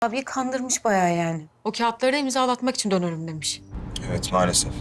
Abiyi kandırmış bayağı yani. O kağıtları da imzalatmak için dönerim demiş. Evet, maalesef.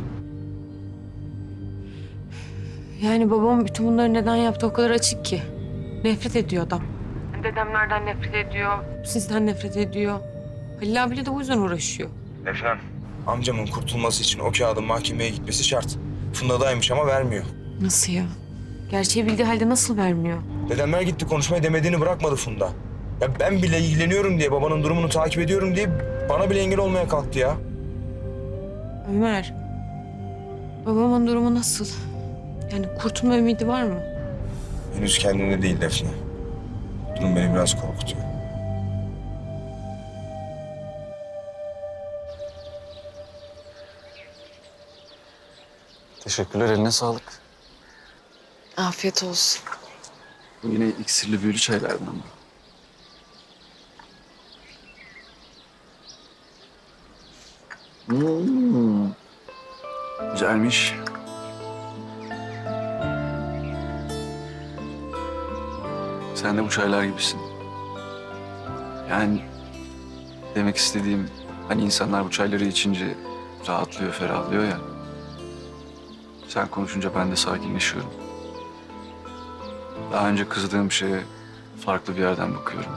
Yani babam bütün bunları neden yaptı o kadar açık ki. Nefret ediyor adam. Dedemlerden nefret ediyor, sizden nefret ediyor. Halil abiyle de o yüzden uğraşıyor. Efendim? Amcamın kurtulması için o kağıdın mahkemeye gitmesi şart. Funda'daymış ama vermiyor. Nasıl ya? Gerçeği bildiği halde nasıl vermiyor? Dedemler gitti konuşmayı demediğini bırakmadı Funda. Ya ben bile ilgileniyorum diye, babanın durumunu takip ediyorum diye bana bile engel olmaya kalktı ya. Ömer, babamın durumu nasıl? Yani kurtulma ümidi var mı? Henüz kendine değil Defne. Durum beni biraz korkutuyor. Teşekkürler, eline sağlık. Afiyet olsun. Bu yine iksirli büyülü çaylardan mı? Güzelmiş. Sen de bu çaylar gibisin. Yani demek istediğim hani insanlar bu çayları içince rahatlıyor, ferahlıyor ya. Sen konuşunca ben de sakinleşiyorum. Daha önce kızdığım şeye farklı bir yerden bakıyorum.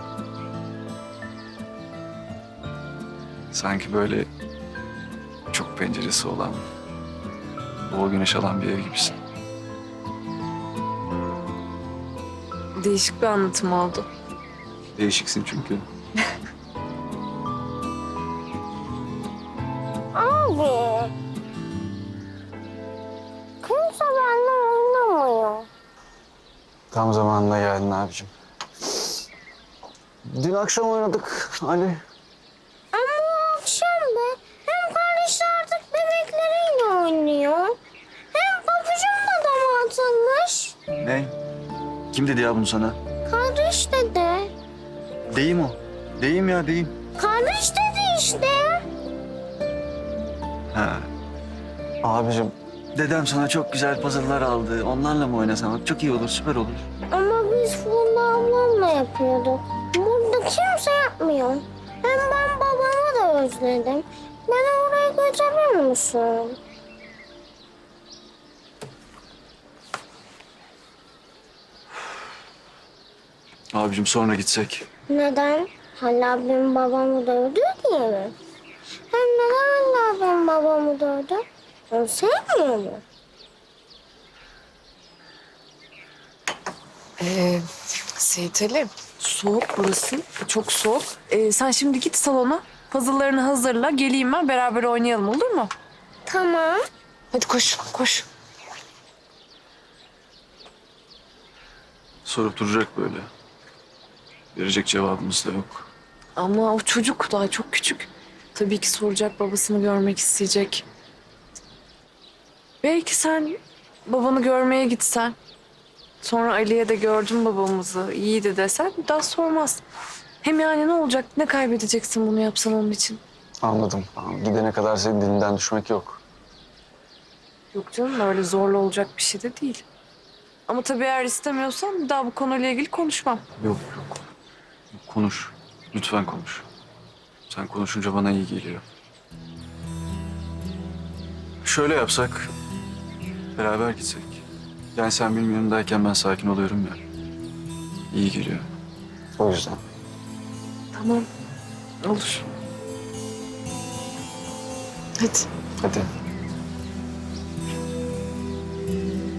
Sanki böyle çok penceresi olan, bol güneş alan bir ev gibisin. Değişik bir anlatım oldu. Değişiksin çünkü. Abi. Kimse benimle oynamıyor. Tam zamanında geldin abicim. Dün akşam oynadık Ali. Ama o akşam be. Hem kardeşler artık bebekleriyle oynuyor. Hem pabucum da dama atılmış. Ne? Kim dedi ya bunu sana? Kardeş dedi. Deyim o. Deyim ya, deyim. Kardeş dedi işte. Ha. Abicim, dedem sana çok güzel puzzle'lar aldı. Onlarla mı oynasan? Çok iyi olur, süper olur. Ama biz Funda ablamla yapıyorduk. Burada kimse yapmıyor. Hem ben babamı da özledim. Beni oraya götürür müsün? Abicim sonra gitsek. Neden? Halil abim babamı dövdü diye mi? Hem neden Halil abim babamı dövdü? Onu sevmiyor mu? Seyit Ali, soğuk burası. Çok soğuk. Sen şimdi git salona. Puzzle'larını hazırla. Geleyim ben. Beraber oynayalım, olur mu? Tamam. Hadi koş, koş. Sorup duracak böyle. Verecek cevabımız da yok. Ama o çocuk daha çok küçük. Tabii ki soracak, babasını görmek isteyecek. Belki sen babanı görmeye gitsen. Sonra Ali'ye de gördüm babamızı, iyiydi desen bir daha sormaz. Hem yani ne olacak, ne kaybedeceksin bunu yapsan onun için? Anladım. Gidene kadar senin dilinden düşmek yok. Yok canım, öyle zorla olacak bir şey de değil. Ama tabii eğer istemiyorsan bir daha bu konuyla ilgili konuşmam. Yok, yok. Konuş. Lütfen konuş. Sen konuşunca bana iyi geliyor. Şöyle yapsak, beraber gitsek. Yani sen benim yanımdayken ben sakin oluyorum ya. İyi geliyor. O yüzden. Tamam, olur. Hadi. Hadi.